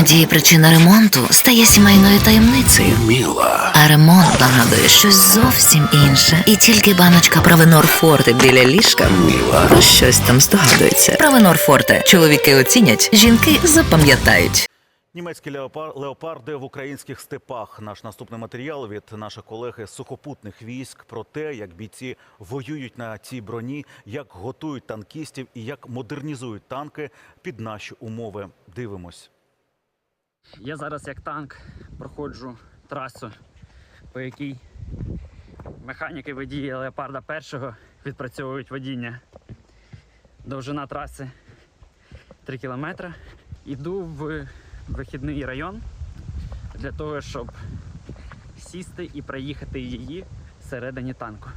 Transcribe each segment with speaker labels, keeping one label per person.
Speaker 1: Іноді причина ремонту стає сімейною таємницею.
Speaker 2: Міла.
Speaker 1: А ремонт нагадує щось зовсім інше. І тільки баночка Провенор Форте біля ліжка
Speaker 2: Міла.
Speaker 1: про щось там здогадується. Провенор Форте. Чоловіки оцінять, жінки запам'ятають.
Speaker 3: Німецькі леопарди в українських степах. Наш наступний матеріал від наших колег із сухопутних військ про те, як бійці воюють на цій броні, як готують танкістів і як модернізують танки під наші умови. Дивимось.
Speaker 4: Я зараз як танк проходжу трасу, по якій механіки водії Леопарда 1 відпрацьовують водіння. Довжина траси 3 кілометри. Іду в вихідний район для того, щоб сісти і проїхати її всередині танку.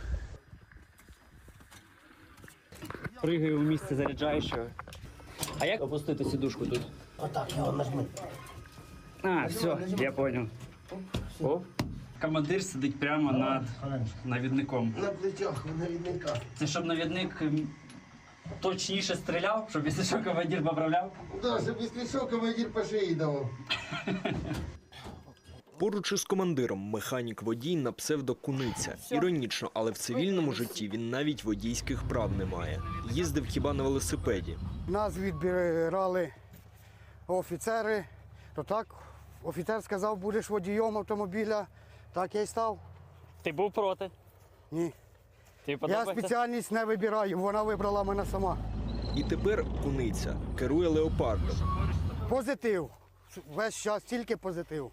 Speaker 4: Пригаю у місце заряджаючого. А як опустити сідушку тут?
Speaker 5: Отак, його нажми.
Speaker 4: А, все, я понял. О. Командир сидить прямо над навідником.
Speaker 5: На плечах у навідника.
Speaker 4: Це щоб навідник точніше стріляв, щоб якщо що командир поправляв?
Speaker 5: Да, щоб якщо що, командир по шиї давав.
Speaker 6: Поруч із командиром механік-водій на псевдо Куниця. Іронічно, але в цивільному житті він навіть водійських прав не має. Їздив хіба на велосипеді.
Speaker 7: Нас відбирали офіцери, то так, офіцер сказав, будеш водієм автомобіля, так я й став.
Speaker 4: Ти був проти?
Speaker 7: Ні.
Speaker 4: Тобі
Speaker 7: Я
Speaker 4: подобається?
Speaker 7: спеціальність не вибираю, вона вибрала мене сама.
Speaker 6: І тепер Куниця керує леопардом.
Speaker 7: Позитив. Весь час тільки позитив.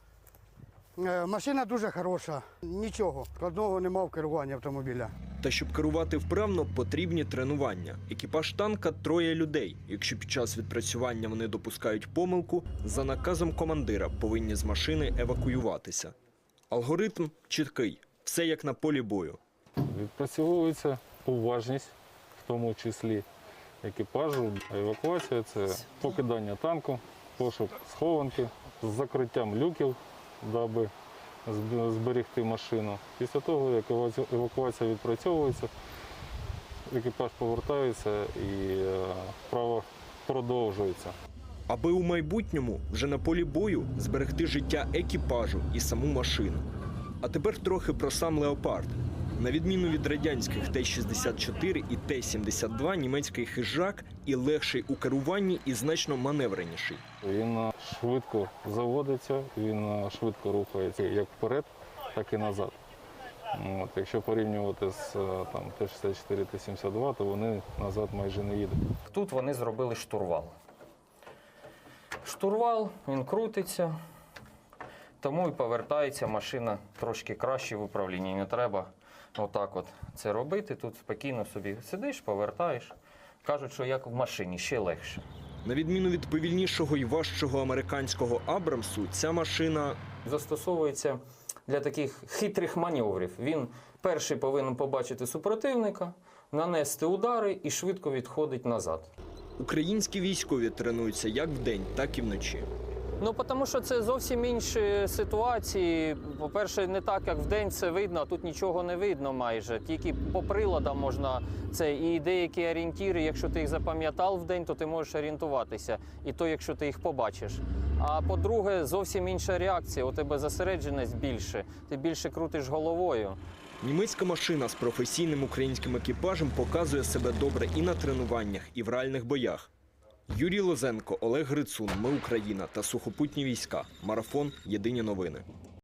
Speaker 7: Машина дуже хороша, нічого, складного нема в керуванні автомобіля.
Speaker 6: Та щоб керувати вправно, потрібні тренування. Екіпаж танка – 3 людей. Якщо під час відпрацювання вони допускають помилку, за наказом командира повинні з машини евакуюватися. Алгоритм чіткий. Все як на полі бою.
Speaker 8: Відпрацьовується уважність, в тому числі екіпажу. Евакуація – це покидання танку, пошук схованки з закриттям люків, даби зберегти машину. Після того, як евакуація відпрацьовується, екіпаж повертається і вправа продовжується.
Speaker 6: Аби у майбутньому, вже на полі бою, зберегти життя екіпажу і саму машину. А тепер трохи про сам «Леопард». На відміну від радянських Т-64 і Т-72, німецький хижак і легший у керуванні, і значно маневреніший.
Speaker 8: Він швидко заводиться, він швидко рухається як вперед, так і назад. Якщо порівнювати з Т-64, Т-72, то вони назад майже не їдуть.
Speaker 9: Тут вони зробили штурвал. Штурвал, він крутиться, тому і повертається машина трошки краще в управлінні. Не треба отак от це робити. Тут спокійно собі сидиш, повертаєш. Кажуть, що як в машині, ще легше.
Speaker 6: На відміну від повільнішого і важчого американського Абрамсу, ця машина
Speaker 9: Застосовується для таких хитрих маневрів. Він перший повинен побачити супротивника, нанести удари і швидко відходить назад.
Speaker 6: Українські військові тренуються як вдень, так і вночі.
Speaker 9: Ну, тому що це зовсім інші ситуації. По-перше, не так, як вдень це видно, а тут нічого не видно майже. Тільки по приладам можна це. І деякі орієнтири, якщо ти їх запам'ятав вдень, то ти можеш орієнтуватися. І то, якщо ти їх побачиш. А по-друге, зовсім інша реакція. У тебе зосередженість більше. Ти більше крутиш головою.
Speaker 6: Німецька машина з професійним українським екіпажем показує себе добре і на тренуваннях, і в реальних боях. Юрій Лозенко, Олег Грицун, Ми Україна та сухопутні війська. Марафон. Єдині новини.